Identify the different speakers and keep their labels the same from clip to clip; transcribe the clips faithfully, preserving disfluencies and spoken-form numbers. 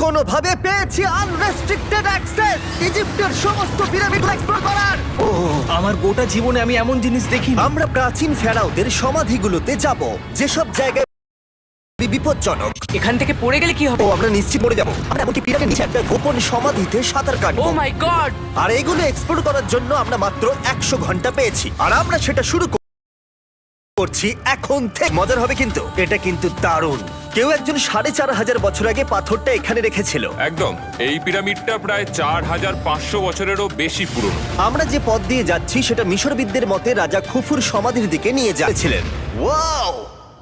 Speaker 1: কোনোভাবে পেয়েছি unrestricted access ইজিপ্টের সমস্ত পিরামিড এক্সপ্লোর করার। ও
Speaker 2: আমার গোটা জীবনে আমি এমন জিনিস দেখিনি।
Speaker 1: আমরা প্রাচীন ফেরাওদের সমাধিগুলোতে যাব, যেসব জায়গায় বিপজ্জনক।
Speaker 3: এখান থেকে পড়ে গেলে কি হবে?
Speaker 1: ও আমরা নিশ্চিত পড়ে যাবো। আমরা এমনকি পিরামিডের নিচে একটা গোপন সমাধিতে সাঁতার
Speaker 3: ও
Speaker 1: কাটবো।
Speaker 3: মাই গড!
Speaker 1: আর এগুলো এক্সপ্লোর করার জন্য আমরা মাত্র একশো ঘন্টা পেয়েছি, আর আমরা সেটা শুরু করছি এখন থেকে। মজার হবে কিন্তু, এটা কিন্তু দারুণ। কেউ একজন সাড়ে চার হাজার বছর আগে পাথরটা এখানে রেখেছিল।
Speaker 4: একদম, এই পিরামিডটা প্রায় চার হাজার পাঁচশো বছরেরও বেশি পুরনো।
Speaker 1: আমরা যে পথ দিয়ে যাচ্ছি সেটা মিশরবিদদের মতে রাজা খুফুর সমাধির দিকে নিয়ে যাচ্ছিলেন। ওয়াও!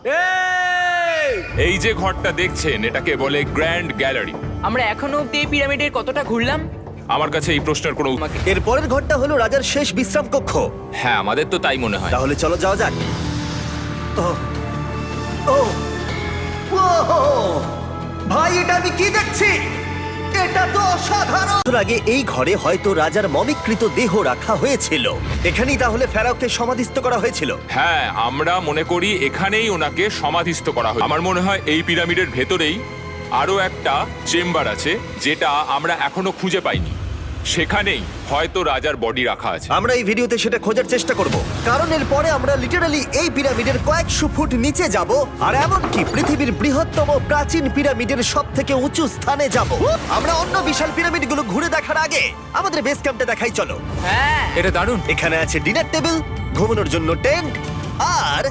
Speaker 4: এই যে ঘরটা দেখছেন এটাকে বলে গ্র্যান্ড গ্যালারি।
Speaker 3: আমরা এখনো অব্দি এই পিরামিডের কতটা ঘুরলাম?
Speaker 4: আমার কাছে এই প্রশ্নের কোনো উত্তর-
Speaker 3: আমাকে-
Speaker 1: এর পরের ঘরটা হলো রাজার শেষ বিশ্রাম কক্ষ।
Speaker 4: হ্যাঁ, আমাদের তো তাই মনে হয়।
Speaker 1: তাহলে চলো যাওয়া যাক। ও ও ও ভাই, এটা আমি কি দেখছি? এটা তো অসাধারণ। এর আগে এই ঘরে হয়তো রাজার মমিকৃত দেহ রাখা হয়েছিল। এখানেই তাহলে ফেরাওকে সমাধিস্থ করা হয়েছিল।
Speaker 4: হ্যাঁ, আমরা মনে করি এখানেই ওনাকে সমাধিস্থ করা হয়। আমার মনে হয় এই পিরামিডের ভেতরেই আরো একটা চেম্বার আছে যেটা আমরা এখনো খুঁজে পাইনি। সেখানেই হয়তো রাজার বডি রাখা আছে।
Speaker 1: আমরা এই ভিডিওতে সেটা খোঁজার চেষ্টা করব, কারণ এর পরে আমরা লিটারালি এই পিরামিডের কয়েকশো ফুট নিচে যাব, আর এমনকি পৃথিবীর বৃহত্তম প্রাচীন পিরামিডের সব থেকে উঁচু স্থানে যাব। আমরা অন্য বিশাল পিরামিডগুলো ঘুরে দেখার আগে আমাদের বেস ক্যাম্পটা দেখাই চলো।
Speaker 3: হ্যাঁ,
Speaker 4: এটা দারুণ।
Speaker 1: এখানে আছে ডিনার টেবিল, ঘুমানোর জন্য টেন্ট, আর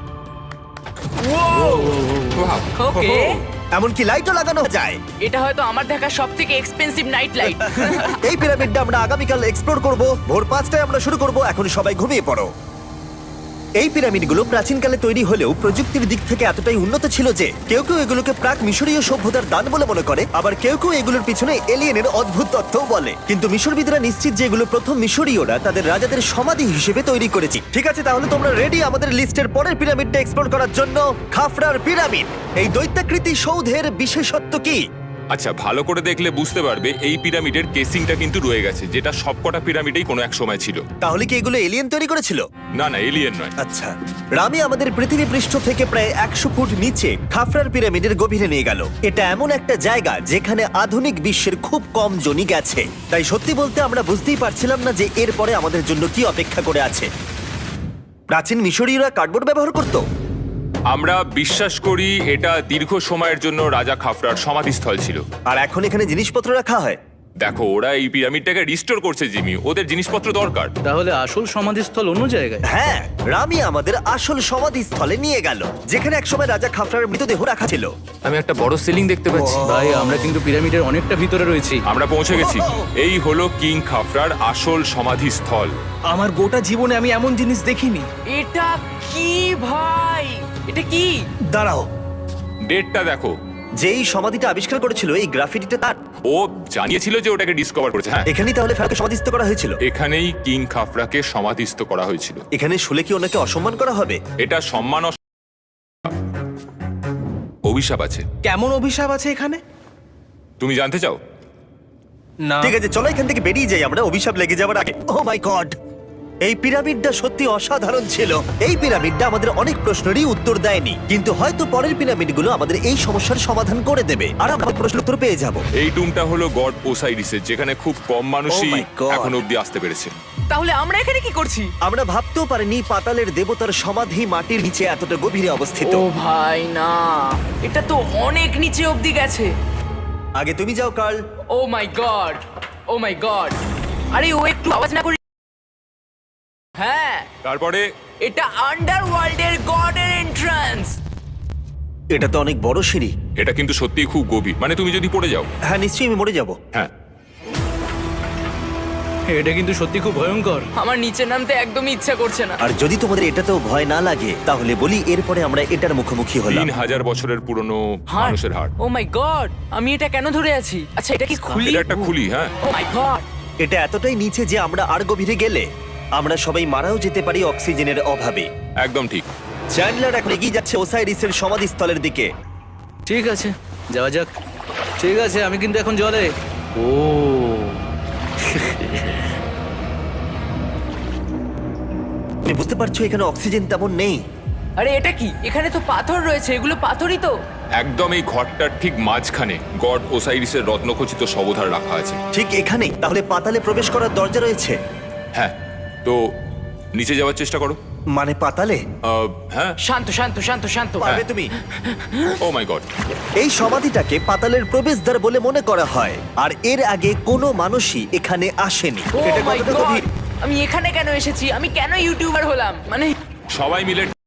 Speaker 3: ওকে।
Speaker 1: এমনকি লাইটও লাগানো যায়।
Speaker 3: এটা হয়তো আমার দেখা সবথেকে এক্সপেন্সিভ নাইট লাইট।
Speaker 1: এই পিরামিডটা আমরা আগামীকাল এক্সপ্লোর করব। ভোর পাঁচটায় আমরা শুরু করব। এখন সবাই ঘুমিয়ে পড়ো। এই পিরামিডগুলো প্রাচীনকালে তৈরি হলেও প্রযুক্তির দিক থেকে এতটাই উন্নত ছিল যে কেউ কেউ এগুলোকে প্রাক মিশরীয় সভ্যতার দান বলে মনে করে, আবার কেউ কেউ এগুলোর পিছনে এলিয়েনের অদ্ভুত তথ্যও বলে। কিন্তু মিশরবিদরা নিশ্চিত যে এগুলো প্রথম মিশরীয়রা তাদের রাজাদের সমাধি হিসেবে তৈরি করেছে। ঠিক আছে, তাহলে তোমরা রেডি আমাদের লিস্টের পরের পিরামিডটা এক্সপ্লোর করার জন্য? খাফরার পিরামিড। এই দৈত্যাকৃতি সৌধের বিশেষত্ব কি?
Speaker 4: আচ্ছা, ভালো করে দেখলে বুঝতে পারবে এই পিরামিডের কেসিংটা কিন্তু রয়ে গেছে, যেটা সবকটা পিরামিডেই কোনো এক সময় ছিল।
Speaker 1: তাহলে কি এগুলো এলিয়েন তৈরি করেছিল?
Speaker 4: না না, এলিয়েন নয়।
Speaker 1: আচ্ছা, রামি আমাদের পৃথিবী পৃষ্ঠ থেকে প্রায় একশো ফুট নিচে খাফরার পিরামিডের গভীরে নিয়ে গেল। এটা এমন একটা জায়গা যেখানে আধুনিক বিশ্বের খুব কম জনই গেছে, তাই সত্যি বলতে আমরা বুঝতেই পারছিলাম না যে এরপরে আমাদের জন্য কি অপেক্ষা করে আছে। প্রাচীন মিশরীয়রা কার্ডবোর্ড ব্যবহার করত।
Speaker 4: আমরা বিশ্বাস করি এটা দীর্ঘ সময়ের জন্য রাজা খাফরার সমাধিস্থল ছিল।
Speaker 1: আর এখন এখানে জিনিসপত্র রাখা হয়।
Speaker 4: দেখো, ওরা এই পিরামিডটাকে রিস্টোর করছে জিমি, ওদের জিনিসপত্র দরকার।
Speaker 2: তাহলে আসল সমাধিস্থল অন্য জায়গায়?
Speaker 1: হ্যাঁ, রামি আমাদের আসল সমাধিস্থলে নিয়ে গেল, যেখানে একসময় রাজা খাফরার মৃতদেহ রাখা ছিল।
Speaker 5: আমি একটা বড় সিলিং দেখতে পাচ্ছি।
Speaker 2: ভাই, আমরা কিন্তু পিরামিডের অনেকটা ভিতরে রয়েছি।
Speaker 4: আমরা পৌঁছে গেছি। এই হলো কিং খাফরার আসল সমাধিস্থল।
Speaker 2: আমার গোটা জীবনে আমি এমন জিনিস দেখিনি।
Speaker 3: এটা কি ভাই? এটা কি?
Speaker 1: দাঁড়াও,
Speaker 4: ডেটটা দেখো।
Speaker 1: যেই সমাধিটা আবিষ্কার করেছিল এই গ্রাফিটিটা তার।
Speaker 4: ও জানিয়েছিল যে ওটাকে ডিসকভার করেছে। হ্যাঁ,
Speaker 1: এখানেই তাহলে ফেরাওকে সমাধিস্থ করা হয়েছিল।
Speaker 4: এখানেই কিং খাফরাকে সমাধিস্থ করা হয়েছিল।
Speaker 1: এখানে শুলে কি ওনাকে অসম্মান করা হবে?
Speaker 4: এটা সম্মান অস- অভিশাপ আছে।
Speaker 2: কেমন অভিশাপ আছে এখানে?
Speaker 4: তুমি জানতে চাও?
Speaker 2: না।
Speaker 1: ঠিক আছে, চলো এখান থেকে বেরিয়ে যাই আমরা, অভিশাপ লেগে যাবার আগে। ও মাই গড, এই পিরামিডটা সত্যি অসাধারণ ছিল। এই পিরামিডটা আমাদের অনেক প্রশ্নেরই উত্তর দেয়নি, কিন্তু হয়তো পরের পিরামিডগুলো আমাদের এই সমস্যার সমাধান করে দেবে, আর আমরা প্রশ্নের উত্তর পেয়ে যাব।
Speaker 4: এই টুমটা হলো গড ওসাইরিসের, যেখানে খুব কম মানুষই
Speaker 1: Oh my God!
Speaker 4: এখন অব্দি আসতে পেরেছে।
Speaker 3: তাহলে আমরা এখানে কি করছি?
Speaker 1: আমরা ভাবতেও পারিনি পাতালের দেবতার সমাধি মাটির নিচে এতটা গভীরে অবস্থিত।
Speaker 3: ও ভাই না, এটা তো অনেক নিচে অব্দি গেছে।
Speaker 1: আগে তুমি যাও Carl.
Speaker 3: Oh my god, oh my god. আরে ও একটু আওয়াজ না করি। হ্যাঁ,
Speaker 4: তারপরে
Speaker 3: এটা আন্ডারওয়ার্ল্ডের গডের এন্ট্রান্স।
Speaker 1: এটা তো অনেক বড় সিঁড়ি।
Speaker 4: এটা কিন্তু সত্যিই খুব গভীর, মানে তুমি যদি পড়ে যাও।
Speaker 1: হ্যাঁ, নিশ্চয়ই আমি মরে যাব।
Speaker 4: হ্যাঁ,
Speaker 2: এটা কিন্তু সত্যি খুব ভয়ঙ্কর।
Speaker 3: আমার নিচে নামতে একদমই ইচ্ছা করছে না।
Speaker 1: আর যদি তোমাদের এটাতেও ভয় না লাগে তাহলে বলি এরপরে আমরা এটার মুখোমুখি হলাম।
Speaker 4: তিন হাজার বছরের পুরনো
Speaker 3: হার্ট,
Speaker 4: মানুষের হাড়।
Speaker 3: ও মাই গড, আমি এটা কেন ধরে আছি? আচ্ছা, এটা কি খুলি?
Speaker 4: এটা একটা খুলি। হ্যাঁ,
Speaker 3: ও মাই গড।
Speaker 1: এটা এতটাই নিচে যে আমরা আর গভীরে গেলে আমরা সবাই মারাও যেতে পারি অক্সিজেনের অভাবে।
Speaker 4: একদম ঠিক।
Speaker 1: চ্যান্ডলার এখন এগিয়ে যাচ্ছে ওসাইরিসের সমাধিস্থলের দিকে।
Speaker 2: ঠিক আছে, যাওয়া যাক। ঠিক আছে, আমি কিন্তু এখন জলে। ও
Speaker 1: তুমি বুঝতে পারছো এখানে অক্সিজেন তেমন নেই।
Speaker 3: আরে এটা কি? এখানে তো পাথর রয়েছে, এগুলো পাথরই তো।
Speaker 4: একদম এই ঘরটার ঠিক মাঝখানে গড ওসাইরিসের রত্নখচিত শবধার রাখা আছে।
Speaker 1: ঠিক এখানেই তাহলে পাতালে প্রবেশ করার দরজা রয়েছে?
Speaker 4: হ্যাঁ, তো নিচে যাওয়ার চেষ্টা করো।
Speaker 1: মানে পাতালে?
Speaker 4: আহ, হ্যাঁ।
Speaker 3: শান্ত শান্ত শান্ত শান্ত
Speaker 1: পারবে তুমি?
Speaker 4: Oh my god.
Speaker 1: এই সমাধিটাকে পাতালের প্রবেশদ্বার বলে মনে করা হয়, আর এর আগে কোনো মানুষই এখানে আসেনি।
Speaker 3: ও
Speaker 1: এটা
Speaker 3: মাই
Speaker 1: কতটা
Speaker 3: গড
Speaker 1: গভীর?
Speaker 3: আমি এখানে কেন এসেছি? আমি কেন ইউটিউবার হলাম? মানে
Speaker 4: সবাই মিলে